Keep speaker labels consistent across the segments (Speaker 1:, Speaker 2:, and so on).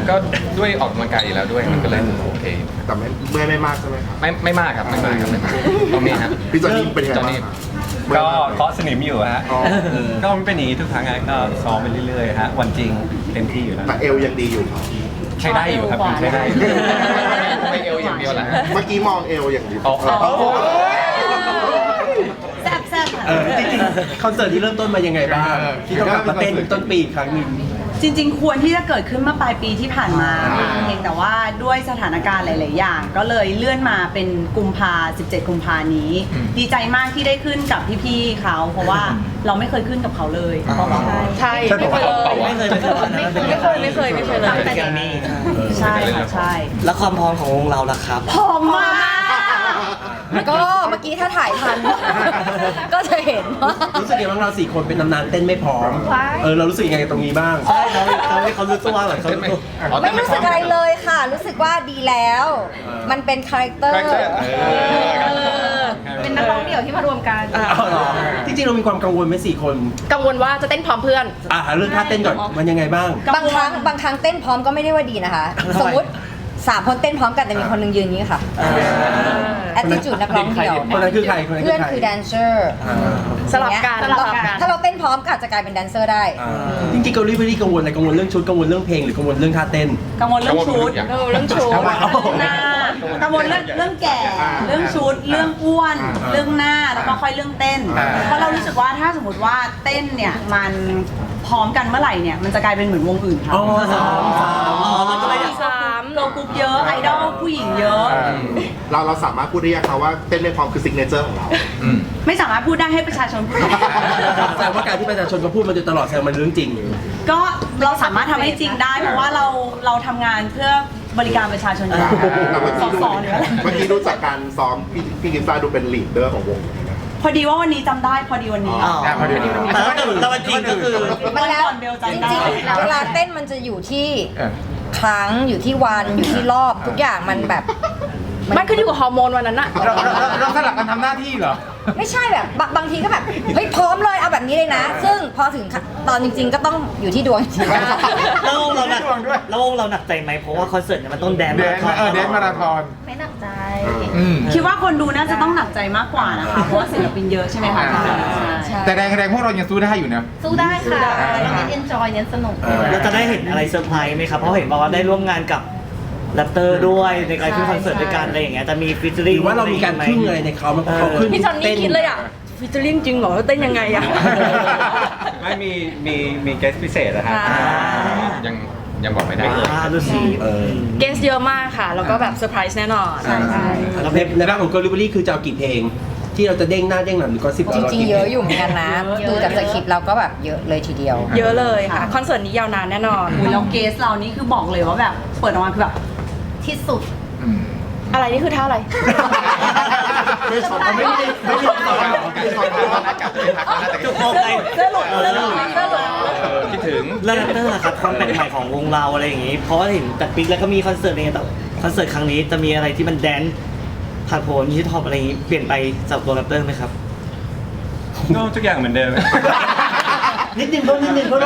Speaker 1: ก็ด้วยออกกำลังกายอยู่แล้วด้วยมันก็เลยโอเค
Speaker 2: แต่ไม่มากใช่ไหมครับ
Speaker 1: ไม่มากครับไม่มากครับไม่มากตรงนี้ครับ
Speaker 2: พี่จอนนี่เป็นยังไง
Speaker 1: จอน
Speaker 2: บ้าง
Speaker 1: นี่
Speaker 2: ครับ
Speaker 3: ก็เคาะสนิมอยู่ฮะ
Speaker 2: อ๋อ
Speaker 3: ก็ไม่เป็นอย่างนี้ทุกครั้งก็ซ้อมไปเรื่อยๆฮะวันจริงเต็มที่อยู่แล้ว
Speaker 2: แต่เอวยังดีอยู่ครับ
Speaker 3: ใช้ได้อยู่ครับใช้ได้อยู่
Speaker 1: ไม่เอวอย่างเดียวแหละ
Speaker 2: เมื่อกี้มองเอวอย่างเดียว
Speaker 1: อ๋อ
Speaker 4: แซ่บๆ
Speaker 5: จริงๆคอนเสิร์ตที่เริ่มต้นมายังไงบ้างที่ต้องกลับมาเต้นต้นปีอีกครั้งหนึ่ง
Speaker 4: จริงๆ ควรที่จะเกิดขึ้นเมื่อปลายปีที่ผ่านมาเพียงแต่ว่าด้วยสถานการณ์หลาย ๆ อย่าง ก็เลยเลื่อนมาเป็นกุมภา17 กุมภานี้ ดีใจมากที่ได้ขึ้นกับพี่ๆเขาเพราะว่าเราไม่เคยขึ้นกับเขาเลย
Speaker 6: ใช่ไม่เคยเลยไม่เคยไม่เคยเลยตั้งแต่เด็ก
Speaker 4: ใช่ค่ะใช่
Speaker 7: แล้วความพร้อมของวงเราล่ะครับ
Speaker 4: พร้อมมาก
Speaker 6: ก็เมื่อกี้ถ้าถ่ายทัน ก็จะเห็นว่า
Speaker 5: รู้สึกยังไงบ้างเรา4 คนเป็นตำนานเต้นไม่พร้อมเรารู้สึกยังไงกับตรงนี้บ้าง
Speaker 7: ใช่เขารู้ตัวเหมือนเขารู้ตัว
Speaker 6: ไม่รู้สึกอะไรเลยค่ะ รู้สึกว่าดีแล้ว มันเป็นคาแรคเตอร์
Speaker 8: เป็นนักร้องเดี่ยวที่มารวมกัน
Speaker 5: จริงๆเรามีความกังวลไหม4 คน
Speaker 8: กังวลว่าจะเต้นพร้อมเพื่อน
Speaker 5: เรื่องท่าเต้นก่อนมันยังไงบ้าง
Speaker 6: บางครั้งเต้นพร้อมก็ไม่ได้ว่าดีนะคะ สมมติ3 คนเต้นพร้อมกันแต่มีคนหนึงยืนอย่างนี้ค่ะแอตติจูดนักร้องเดี่ยว
Speaker 5: คนนั้นคือใครคนนั้น
Speaker 6: เพื่อนคือแดนเซอร์
Speaker 8: สลับกัน
Speaker 6: ถ้าเราเต้นพร้อมก็อาจจะกลายเป็นแดนเซอร์ได้
Speaker 5: จริงๆเกาหลีไม่ได้กังวลอะไรกังวลเรื่องชุดกังวลเรื่องเพลงหรือกังวลเรื่องท่าเต้น
Speaker 4: กังวลเรื่องชุด
Speaker 8: เรื่องชู
Speaker 4: หน้ากังวลเรื่องแก่ เรื่องชุด เรื่องอ้วน เรื่องหน้า แล้วก็ค่อยเรื่องเต้น เพราะเรารู้สึกว่าถ้าสมมติว่าเต้นเนี่ยมันพร้อมกันเมื่อไหร่เนี่ยมันจะกลายเป็นเหมือนวงอื่นค่ะ
Speaker 7: มันก็เลยอยาก
Speaker 4: โลกรุ๊ปเยอะ ไอดอลผู้หญิงเยอะ
Speaker 2: เราสามารถพูดได้ยังครับว่าเต้นไม่พร้อมคือซิกเนเจอร์ของเรา
Speaker 4: ไม่สามารถพูดได้ให้ประชาชนพูด
Speaker 5: แสดงว่าการที่ประชาชนมาพูดมาโดยตลอดแสดงมันเรื่องจริง
Speaker 4: ก็เราสามารถทำให้จริงได้ เพราะว่าเราทำงานเพื่อบริการประชาชนอยู่แล้ว
Speaker 2: แต่เมื่อ
Speaker 4: ส
Speaker 2: กี้
Speaker 4: อเนี่ยแหละ
Speaker 2: เมื่อกี้ดูจากการซ้อมพี่กิฟซ่าดูเป็นลีดเดอร์ของวง
Speaker 4: พอดีว่าวันนี้จำได้พอดีวันนี้
Speaker 7: แต่วันจริงก็คือ
Speaker 6: มันแล้ว
Speaker 4: ก่อนเบล
Speaker 6: จ
Speaker 4: จำได้
Speaker 6: ริงๆเวลาเต้นมันจะอยู่ที่ครั้งอยู่ที่วันอยู่ที่รอบทุกอย่างมันแบบ
Speaker 8: มันขึ้นอยู่กับฮอร์โมนวันนั้นอะ
Speaker 1: เราสลับกันทำหน้าที่เหรอ
Speaker 6: ไม่ใช่แบบบางทีก็แบบเฮ้ยพร้อมเลยเอาแบบนี้เลยนะ ซึ่งพอถึงตอนจริง ๆ ก็ต้องอยู่ที่ดวงจริง
Speaker 7: แล้ววงเราหนักใจไหมเพราะว่าคอนเสิร์ตเนี่ยมันต้องแดนมาราธอน
Speaker 8: ไม่หนักใจ
Speaker 4: คิดว่าคนดูน่าจะต้องหนักใจมากกว่านะคะ เพราะว่าศิลปินเยอะใช่ไหมคะใช่
Speaker 1: แต่แรงพวกเรายังสู้ได้อยู่นะ
Speaker 8: สู้ได้ค่ะเราเน้นเอนจอยเน้นสนุก
Speaker 7: เราจะได้เห็นอะไรเซอร์ไพรส์ไหมครับ เพราะเห็นบอกว่าได้ร่วมงานกับแรปเตอร์ด้วยในการขึ้นคอนเสิร์ตด้วยกันอะไรอย่างเงี้ยจะมีฟีเจอ
Speaker 5: ห
Speaker 7: ริ่ง
Speaker 5: รือว่าเรามีการพึ่งอะไรในเขามันเขาขึ้น
Speaker 8: พี่จอนนี่คิดเลยอะฟิชเชอร์ลิงจริงเหรอเต้นยังไงอะ
Speaker 3: ไม่มีเกสพิเศษนะฮะ
Speaker 1: ยังบอกไม่ได้
Speaker 7: ดูสิ
Speaker 8: เกสเยอะมากค่ะ แล้วก็แบบเซอร์ไพรส์แน่นอน
Speaker 5: แล้วในร่างของเกาหลีคือจะเอากี่เพลง ที่เราจะเด้งหน้าเด้งหลังหรือก็10
Speaker 6: จริงๆเยอะอยู่เหมือนกันนะดูจากสคริปต์เราก็แบบเยอะเลยทีเดียว
Speaker 8: เยอะเลยค่ะ คอนเสิร์ตนี้ยาวนานแน่นอน
Speaker 4: แล้วเกสเรานี่คือบอกเลยว่าแบบเปิดออกมาคือแบบที่สุด
Speaker 8: อะไรนี่คือท่าอะไร
Speaker 2: ไม่ชอบไม่ชอบไม่ชอบ
Speaker 7: จุกโมกไง
Speaker 1: คิดถึง
Speaker 7: แล้วแรปเตอร์ล่ะครับความแปลกใหม่ของวงเราอะไรอย่างงี้ เพราะว่าเห็นแต่ปิ๊กแล้วก็มีคอนเสิร์ตอะไรเงี้ยแต่คอนเสิร์ตครั้งนี้จะมีอะไรที่มันแดนผ่านโผล่ฮิปฮอปอะไรอย่างงี้เปลี่ยนไปสำหรับตัวแรปเตอร์ไหมครับ
Speaker 3: ก็ทุกอย่างเหมือนเดิม
Speaker 5: นิดนึงเพราะนิดนึง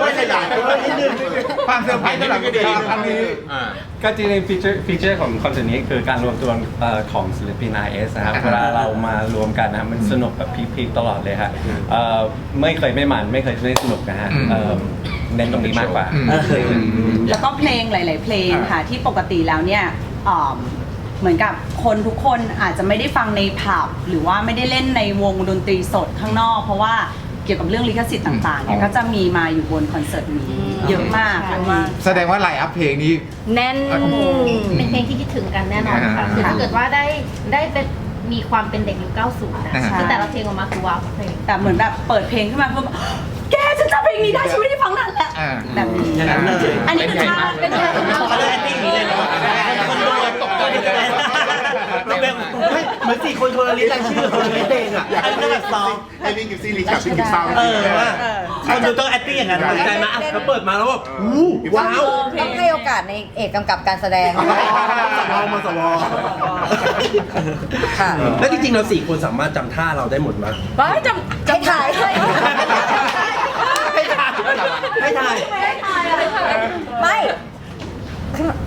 Speaker 1: ความเซอร์ไพรส์สำหรับครั้งนี้
Speaker 3: ก็จริงๆฟีเจอร์ของคอนเสิร์ตนี้คือการรวมตัวของศิลปิน RS นะครับเวลาเรามารวมกันนะมันสนุกแบบพีคๆตลอดเลยฮะไม่เคยไม่มันไม่เคยไม่สนุกนะฮะเน้นตรงนี้มากกว่า
Speaker 4: แล้วก็เพลงหลาย ๆ เพลงค่ะที่ปกติแล้วเนี่ยเหมือนกับคนทุกคนอาจจะไม่ได้ฟังในผับหรือว่าไม่ได้เล่นในวงดนตรีสดข้างนอก เพราะว่าเกี่ยวกับเรื่องลิขสิทธิ์ต่าง ๆ เนี่ยก็จะมีมาอยู่บนคอนเสิร์ตนี้เยอะมากค่ะ
Speaker 1: แสดงว่าไลน์อัพเพลงนี้
Speaker 8: แน่น
Speaker 9: เป็นเพลงที่คิดถึงกันแน่นอนค่ะคือถ้าเกิดว่าได้เป็นมีความเป็นเด็กยุค 90 นะคือแต่ละเพลงออกมาคือว้าวเพลง
Speaker 4: แต่เหมือนแบบเปิดเพลงขึ้นมาเพื่อแกฉันจำเพลงนี้ได้ฉันไม่ได้ฟังนานแล้วแบบนี้
Speaker 7: อย่างนั้นเลย
Speaker 4: อันนี้คือท่าเป็นท่า
Speaker 7: เขาเลยแอคติ้งนี้เลยเนาะคนดูตกใจเลยแบบ
Speaker 5: เหมือน4 คนคนละลิสต์รายชื่อคนละลิสต์เพลงอ่ะ
Speaker 2: อยากให้แบบซ้อมให้พี่กิฟซี่ลีกับพี่กิฟซ่า
Speaker 7: ว่าคนดูต้องแอคติ้งอย่างนั้น
Speaker 5: ตกใจมาแล้วเปิดมาแล้วแบบว้าว
Speaker 6: ต้องให้โอกาสในเอกกำกับการแสดง
Speaker 5: มาสว
Speaker 6: ค่ะ
Speaker 5: แล้วจริงๆเรา4 คนสามารถจำท่าเราได้หมดไหม
Speaker 8: ว้ายจำ
Speaker 6: ให้ถ่าย
Speaker 5: ให้ถ่าย
Speaker 6: ไม่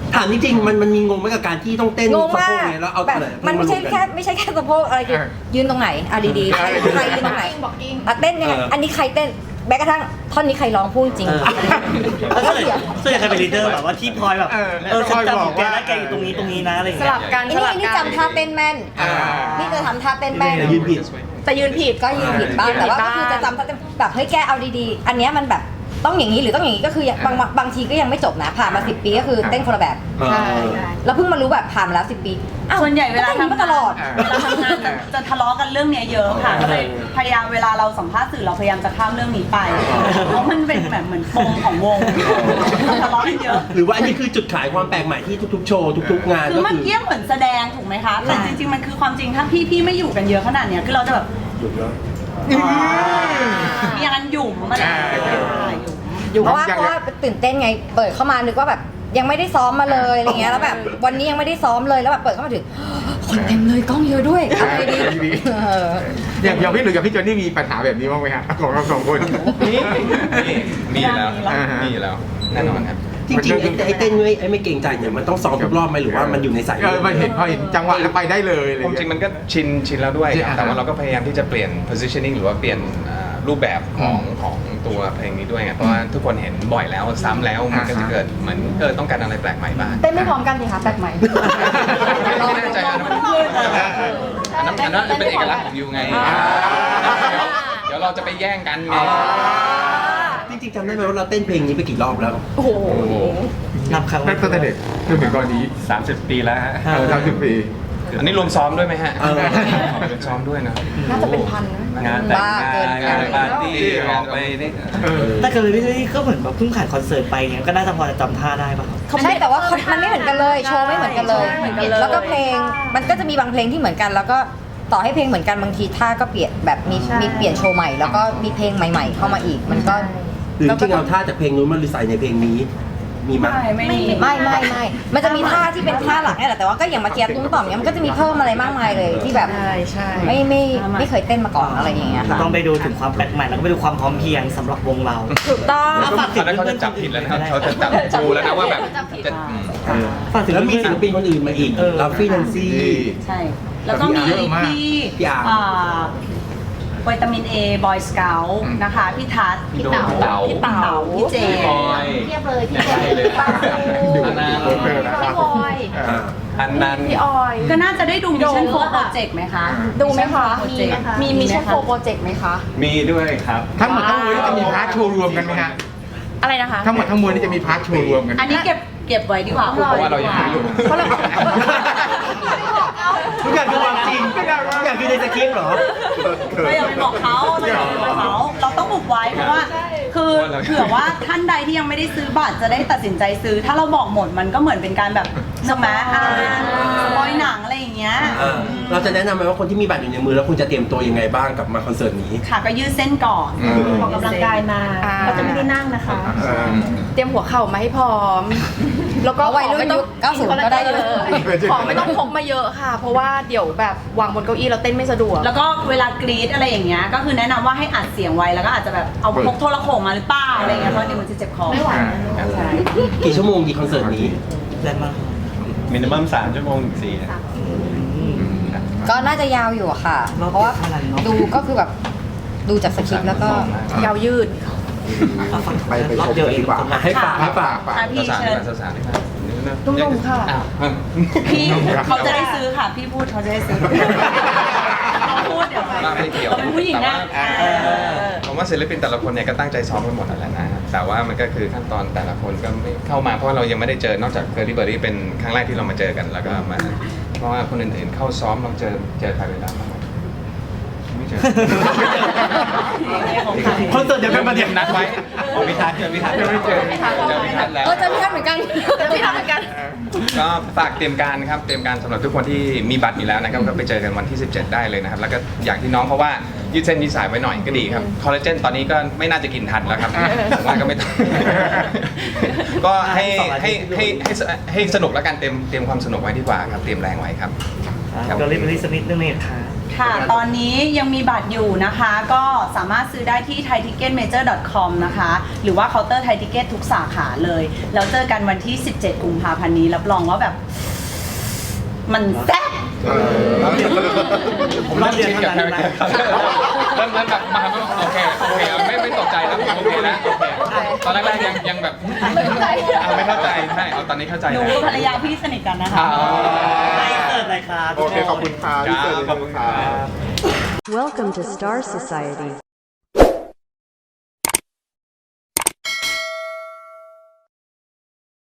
Speaker 5: ถามจริงๆมันมีงงไหมกับการที่ต้องเต้น
Speaker 6: งง
Speaker 5: สะ
Speaker 6: มา
Speaker 5: โพ
Speaker 6: ก
Speaker 5: กเนี่ยแล้วเอา
Speaker 6: แบบ
Speaker 5: ไหน
Speaker 6: มันไม่ใช่แค่สะโพกอะไรคือยืนตรงไหนเอาดีๆใครยืนตรงไหนเต้นยังไงอันนี้ใครเต้นแม้กระทั่งท่อนนี้ใครร้องพูดจริง
Speaker 7: แล้วส่วนใหญ่ใครเป็นลีดเดอร์แบบว่าที่พลอยแบบฉันจำอยู่แกนะแกอยู่ตรงนี้นะอะไรอย่าง
Speaker 8: ส
Speaker 7: เงี้ย
Speaker 8: ลับกัน
Speaker 6: อัน
Speaker 8: ส
Speaker 6: นี้
Speaker 8: ลับ
Speaker 6: อันนี้
Speaker 8: กัน
Speaker 6: จำท่าเต้นแม่นนี่จะทำท่าเต้นแม่น
Speaker 5: แต่ยืนผิด
Speaker 8: แต่ยืนผิด
Speaker 6: ก็ยืนผิดบ้างแต่ว่าก็คือจะจำท่าเต้นแบบเฮ้ยแกเอาดีๆ อันเนี้ยมันแบบต้องอย่างนี้หรือต้องอย่างนี้ก็คือบางทีก็ยังไม่จบนะผ่านมา10 ปีก็คือเต้นคนละแบบ
Speaker 8: ใช่
Speaker 6: แล้วเพิ่งมารู้แบบผ่านมาแล้ว10 ปีอ้าว
Speaker 4: ส่วนใหญ่เวลา
Speaker 6: ก็ต้นมาตลอด
Speaker 4: เวลาทำงานจะทะเลาะกันเรื่องเนี้ยเยอะค่ะก็เลยพยายามเวลาเราสัมภาษณ์สื่อเราพยายามจะข้ามเรื่องนี้ไปเพราะมันเป็นแบบเหมือนปมของวงทะเลาะกันเยอะ
Speaker 5: หรือว่าอันนี้คือจุดขายความแปลกใหม่ที่ทุกๆโชว์ทุกๆงาน
Speaker 4: คือ
Speaker 5: ก็
Speaker 4: เมื่อ
Speaker 5: คือ
Speaker 4: กี้เหมือนแสดงถูกไหมคะแต่จริงๆมันคือความจริงถ้าพี่ไม่อยู่กันเยอะขนาดเนี้ยคือเราจะแบบมีอย่างนั้นหยุ่มมันหยุ่ม
Speaker 6: เพราะว่าตื่นเต้นไงเปิดเข้ามานึกว่าแบบยังไม่ได้ซ้อมมาเลยอะไรเงี้ยแล้วแบบวันนี้ยังไม่ได้ซ้อมเลยแล้วแบบเปิดเข้ามาถึงคนเต็มเลยกล้องเยอะด้วยอะไรดี
Speaker 1: อย่างพี่หรือกับพี่จอนนี่มีปัญหาแบบนี้บ้างไหมฮะของเราสองคนมีอยู่แล้วมีอยู่แล้วแน่นอนครับ
Speaker 5: จริงๆไอ้เต้นไม่เกรงใจเนี่ยมันต้องซ้อมทุกรอบไหมหรือว่ามันอยู่ในสาย
Speaker 1: พอเห็นจังหวะแล้วไปได้เลยอะไร
Speaker 10: ความจริงมันก็ชินแล้วด้วยครับแต่ว่าเราก็พยายามที่จะเปลี่ยน positioning หรือว่าเปลี่ยนรูปแบบของตัวเพลงนี้ด้วยไงเพราะว่าทุกคนเห็นบ่อยแล้วซ้ำแล้วมันก็จะเกิดเหมือนต้องการอะไรแปลกใหม่บ้าง
Speaker 8: เต้นไม่พร้อมกันสิคะแปลกใหม่
Speaker 10: ไม่แน่ใจนะอันนั้นเป็นเอกลักษณ์ของยูไงเดี๋ยวเราจะไปแย่งกันไง
Speaker 5: จริงๆจำได้ไหมว่าเราเต้นเพลงนี้ไปกี่รอบแล้ว
Speaker 8: โอ้โห
Speaker 7: นับครั้ง
Speaker 1: ตั้งแต่เด็กจนถึงตอนนี้
Speaker 3: 30 ปีแล้วฮะ
Speaker 1: 30 ปี
Speaker 10: อันนี้รวมซ้อมด้วยไหมฮะ
Speaker 5: เออ
Speaker 10: รวมซ้อมด้วยนะ
Speaker 8: น่าจะเป็นพันนะ
Speaker 3: งานแต่งงานปาร์ตี้ออกไปนี่
Speaker 7: แต่ก็เลยก็เหมือนแบบเพิ่งผ่านคอนเสิร์ตไปเงี้ยก็น่าจะพอจะจำท่าได้ป่ะครับ
Speaker 6: ใช่แต่ว่ามันไม่เหมือนกันเลยโชว์ไม่เหมือนกันเลย แล้วก็เพลงมันก็จะมีบางเพลงที่เหมือนกัน แล้วก็ต่อให้เพลงเหมือนกันบางทีท่าก็เปลี่ยนแบบมีเปลี่ยนโชว์ใหม่แล้วก็มีเพลงใหม่ ๆ เข้ามาอีกมันก็
Speaker 5: หรือจริงๆเอาท่าจากเพลงนู้นมาใส่ในเพลงนี้มีไหม
Speaker 4: ไม่มี
Speaker 6: ไม่มันจะมีท่าที่เป็นท่าหลักนี่แหละแต่ว่าก็อย่างเมื่อกี้ตุ้มต่อมเนี้ยมันก็จะมีเพิ่มอะไรมากมายเลยที่แบบ
Speaker 8: ใช่
Speaker 6: ไม่เคยเต้นมาก่อนอะไรอย่างเงี้ยค่ะ
Speaker 7: ต้องไปดูถึงความแปลกใหม่แล้วก็ไปดูความพร้อมเพรียงสำหรับวงเรา
Speaker 8: ถูกต้อง
Speaker 10: ตอนนั้นเขาจะจับผิดแล้วนะครับเขาจะจับดูแล้วนะว่าแบบจะ
Speaker 7: ฝากถึง
Speaker 5: แล้วมีศิลปินคนอื่นมาอีกลาฟี่แนนซี่
Speaker 4: ใช่ แล้วก็มีพี่
Speaker 5: พี่อาร์ม
Speaker 4: วิตามิน A บอยสเกลนะคะพี่ทัศน์
Speaker 3: พี่เต๋า
Speaker 4: พี่เต๋าพี่เจ
Speaker 10: พี่บอย
Speaker 9: เทียบเลยพี่
Speaker 10: ใช่เลย
Speaker 1: ดู
Speaker 10: อันนั้น
Speaker 1: โปรเฟอร์นะครับ
Speaker 8: พี่บอย
Speaker 3: อันนั้น
Speaker 8: พี่ออย
Speaker 4: ก็น่าจะได้ดูมิชชั่นโฟร์โปรเจกต์ไหมคะ
Speaker 8: ดูไหมคะ
Speaker 4: Project
Speaker 8: มีมิชชั่นโฟร์โปรเจกต์ไหมคะ
Speaker 3: มีด้วยครับ
Speaker 1: ทั้งหมดทั้งมวลนี่จะมีพาร์ทโชว์รวมกันไหมฮะ
Speaker 8: อะไรนะคะ
Speaker 1: ทั้งหมดทั้งมวลนี่จะมีพาร์ทโชว์รวมกัน
Speaker 4: อันนี้เก็บไว้ดีกว่า
Speaker 10: เพราะว่าเรายังไม่รู้
Speaker 8: เพราะเรา
Speaker 5: ทุกอย่างคือความจริงทุกอย่างคือในสคริปต์เหรอ
Speaker 4: เราอย่าไปบอกเขาเราต้องบุกไว้เพราะว่า คือเผื่อว่าท่านใดที่ยังไม่ได้ซื้อบัตรจะได้ตัดสินใจซื้อ ถ้าเราบอกหมดมันก็เหมือนเป็นการแบบสมัยสปอยหนังอะไรอย่างเงี้ย
Speaker 5: เราจะแนะนำไหมว่าคนที่มีบัตรอยู่ในมือแล้วคุณจะเตรียมตัวยังไงบ้างกับมาคอนเสิร์ตนี้
Speaker 4: ค่ะก็ยืดเส้นก่อน
Speaker 9: ออกกำลังกายมาเขาจะไม่ได้นั่งนะคะ
Speaker 8: เตรียมหัวเข่ามาให้พร้อม แล้วก็
Speaker 6: เอาวัยรุ่นยุค90ก็ได้เยอะ
Speaker 8: ของไม่ต้องพกมาเยอะค่ะ เพราะว่าเดี๋ยวแบบวางบนเก้าอี้เราเต้นไม่สะดวก
Speaker 4: แล้วก็เวลากรีดอะไรอย่างเงี้ยก็คือแนะนำว่าให้อัดเสียงไว้แล้วก็อาจจะแบบเอาพกโทรโขงมาหรือเปล่าอะไรเงี้ยเพราะเดี๋ยวมันจะเจ็บคอ
Speaker 9: ไม่ไหว
Speaker 4: ใช่
Speaker 5: กี่ชั่วโมงดีคอนเสิร์ตนี้
Speaker 7: แรงมาก
Speaker 3: มินิมัม3 ชั่วโมงถึง 4
Speaker 6: ก็น่าจะยาวอยู่อะค่ะ เพราะว่าดูก็คือแบบดูจากสคริปต์แล้วก็
Speaker 8: ยาวยืด
Speaker 1: ไปชมกันดีกว่า
Speaker 5: ให้ฝากให้ฝาก
Speaker 4: อ่ะพี่เชิญ
Speaker 10: สาวๆนี่
Speaker 8: นุ่มๆค่ะ
Speaker 4: พี่เขาจะได้ซื้อค่ะ พี่พูดเขาจะได้ซื้อเขาพูดเดี๋ยว
Speaker 10: ว่าไม่เกี่ยว
Speaker 4: เราเป็นผู้หญิงนะ
Speaker 10: ผมว่าศิลปินแต่ละคนเนี่ยก็ตั้งใจซ้อมกันหมดนั่นแหละนะแต่ว่ามันก็คือขั้นตอนแต่ละคนก็ไม่เข้ามาเพราะว่าเรายังไม่ได้เจอนอกจากเคอร์รี่เบอร์รี่เป็นครั้งแรกที่เรามาเจอกันแล้วก็มาเพราะว่าคนอื่นๆเข้าซ้อมเราเจอใครเวลาบ้างไม่เจอ
Speaker 5: คอนเสิร์ตเดี๋ยวเป็นประเด็น
Speaker 10: นัดไว้พิทัศน์เจอพิทัศน์ยังไม่เจอพิทัศน์แล้ว
Speaker 6: เจอพี่ท่านเหมือนกัน
Speaker 8: พี่ทำเหมือนกัน
Speaker 10: ก็ฝากเตรียมการครับเตรียมการสำหรับทุกคนที่มีบัตรอยู่แล้วนะครับก็ไปเจอกันวันที่ 17 ได้เลยนะครับแล้วก็อย่างที่น้องเขาว่ายืดเส้นยืดสายไว้หน่อยก็ดีครับคอลลาเจนตอนนี้ก็ไม่น่าจะกินทันแล้วครับผมว่าก็ไม่ต้อง ก็ให้สนุกแล้วกันเตรียมความสนุกไว้ดีกว่าครับเตรียมแรงไว้ครับ
Speaker 7: ก็รีบสักนิดนึงเนี่ยค่ะ
Speaker 4: ค่ะ ตอนนี้ยังมีบัตรอยู่นะคะ ก็สามารถซื้อได้ที่ thaiticketmajor.com นะคะ หรือว่าเคาน์เตอร์ไทยทิเก็ตทุกสาขาเลย แล้วเจอกันวันที่ 17 กุมภาพันธ์นี้รับรองว่าแบบ มันแซ่บ
Speaker 7: ผมรับเรียนเท่านั้นนะ
Speaker 10: เริ่มแบบมาโอเคไม่ตกใจแล้วโอเคแล้วตอนแรกยังแบบไม่เข้าใจใช่เอาตอนนี้เข้าใจ
Speaker 4: หนู
Speaker 10: แล้ว
Speaker 4: กับภรรยาพี่สนิทกันนะคะ
Speaker 7: ไม่เกิดอะไรครับ
Speaker 1: โอเคขอบคุณครับพี่เจอ
Speaker 10: ขอบคุณครับ
Speaker 11: Welcome to Star Society.